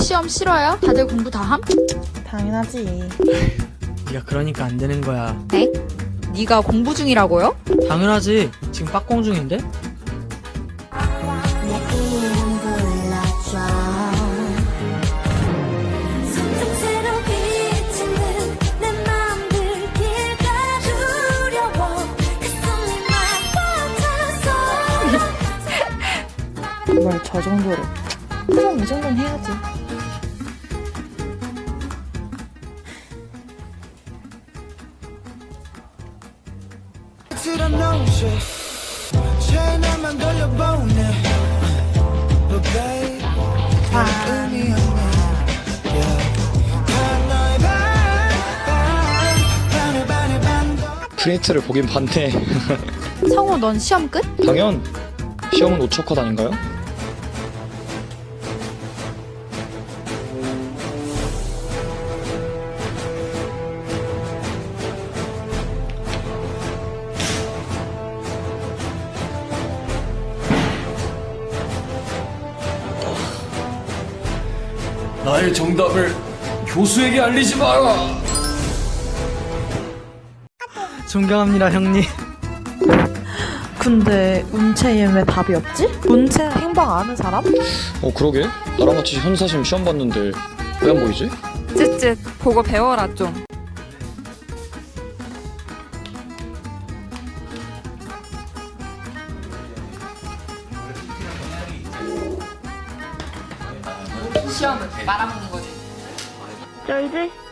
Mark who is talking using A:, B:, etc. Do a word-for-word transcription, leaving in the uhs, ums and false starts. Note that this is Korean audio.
A: 시험 싫어요? 다들 공부 다 함?
B: 당연하지.
C: 네가 그러니까 안 되는 거야.
A: 네? 네가 공부 중이라고요?
C: 당연하지. 지금 빡공 중인데?
B: 뭘 저 정도로. 그럼 이 정도는 해야지.
D: 프린트를 보긴 봤네.
A: 성우 넌 시험 끝?
D: 당연. 시험은 오 초 컷 아닌가요?
E: 나의 정답을 교수에게 알리지 마라.
C: 존경합니다, 형님.
B: 근데 운채엔 왜 답이 없지? 운채 행방 아는 사람?
D: 어 그러게. 나랑 같이 현사심 시험 봤는데 왜 안 보이지?
F: 쯧쯧 보고 배워라 좀.
A: 시험을 말아먹는 거지.
B: 쩔지?